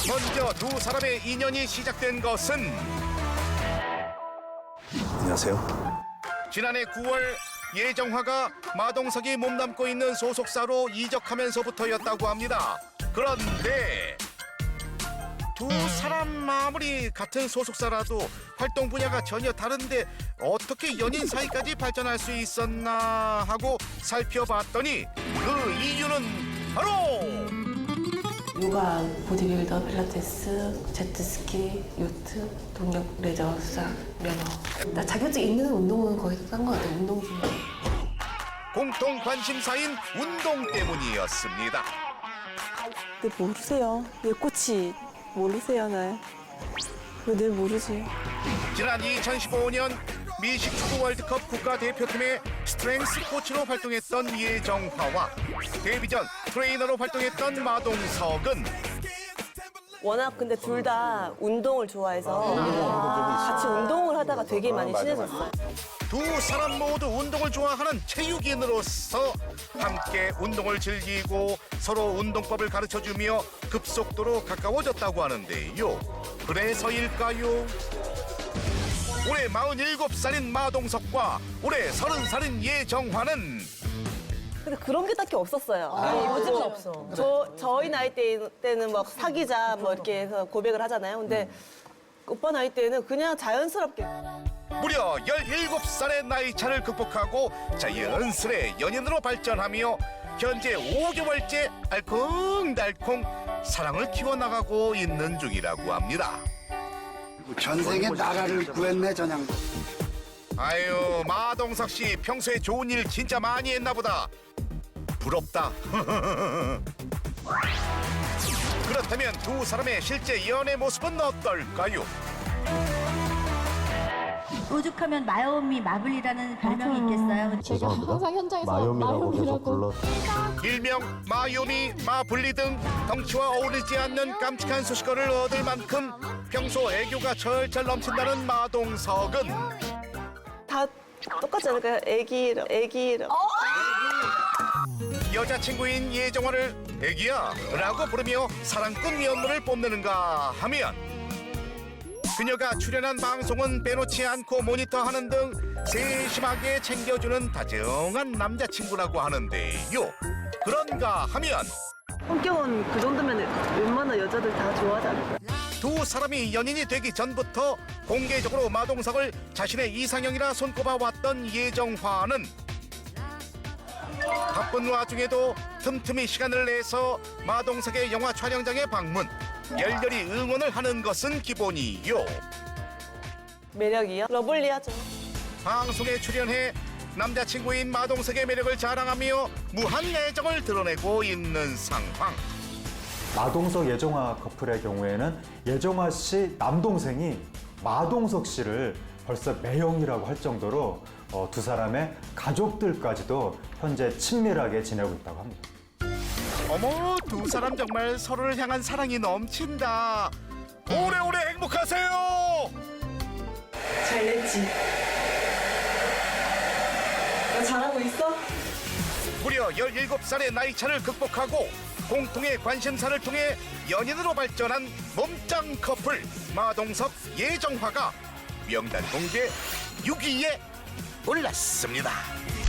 먼저 두 사람의 인연이 시작된 것은 안녕하세요. 지난해 9월 예정화가 마동석이 몸담고 있는 소속사로 이적하면서부터였다고 합니다. 그런데 두 사람 아무리 같은 소속사라도 활동 분야가 전혀 다른데 어떻게 연인 사이까지 발전할 수 있었나 하고 살펴봤더니 그 이유는 바로 요가, 보디빌더, 필라테스, 제트스키, 요트, 동력 레저 수상, 면허. 나 자격증 있는 운동은 거의 딴 것 같아요. 운동 중에. 공통 관심사인 운동 때문이었습니다. 근데 모르세요. 왜 꽃이 모르세요, 날. 왜 늘 모르지? 지난 2015년 미식 축구 월드컵 국가대표팀의 스트렝스 코치로 활동했던 예정화와 데뷔 전 트레이너로 활동했던 마동석은 워낙 근데 둘 다 운동을 좋아해서 같이 운동을 하다가 되게 많이 친해졌어요. 두 사람 모두 운동을 좋아하는 체육인으로서 함께 운동을 즐기고 서로 운동법을 가르쳐주며 급속도로 가까워졌다고 하는데요. 그래서일까요? 올해 47살인 마동석과 올해 30살인 예정화는 근데 그런 게 딱히 없었어요. 요즘은 없어. 저희 나이 때는 막 사귀자 뭐 이렇게 해서 고백을 하잖아요. 근데 오빠 나이 때는 그냥 자연스럽게. 무려 17살의 나이 차를 극복하고 자연스레 연인으로 발전하며 현재 5개월째 알콩달콩 사랑을 키워나가고 있는 중이라고 합니다. 전생에 나라를 구했네 전향도. 아유, 마동석 씨 평소에 좋은 일 진짜 많이 했나 보다. 부럽다. 그렇다면 두 사람의 실제 연애 모습은 어떨까요? 오죽하면 마요미 마블이라는 별명이 있겠어요. 제가 항상 현장에서 마요미라고 계속 불러. 일명 마요미, 마블리 등 덩치와 어울리지 않는 깜찍한 수식어를 얻을 만큼 평소 애교가 철철 넘친다는 마동석은 다 똑같지 않을까요? 애기랑. 여자친구인 예정화를 애기야 라고 부르며 사랑꾼 면모를 뽐내는가 하면 그녀가 출연한 방송은 빼놓지 않고 모니터하는 등 세심하게 챙겨주는 다정한 남자친구라고 하는데요. 그런가 하면 성격은 그 정도면 웬만한 여자들 다 좋아하잖아요. 두 사람이 연인이 되기 전부터 공개적으로 마동석을 자신의 이상형이라 손꼽아왔던 예정화는 바쁜 와중에도 틈틈이 시간을 내서 마동석의 영화 촬영장에 방문, 열렬히 응원을 하는 것은 기본이요. 매력이요? 러블리하죠. 방송에 출연해 남자친구인 마동석의 매력을 자랑하며 무한 애정을 드러내고 있는 상황. 마동석 예정화 커플의 경우에는 예정화 씨 남동생이 마동석 씨를 벌써 매형이라고 할 정도로 두 사람의 가족들까지도 현재 친밀하게 지내고 있다고 합니다. 어머, 두 사람 정말 서로를 향한 사랑이 넘친다. 오래오래 행복하세요. 잘 냈지. 나 잘하고 있어? 무려 17살의 나이 차를 극복하고 공통의 관심사를 통해 연인으로 발전한 몸짱 커플 마동석 예정화가 명단 공개 6위에 올랐습니다.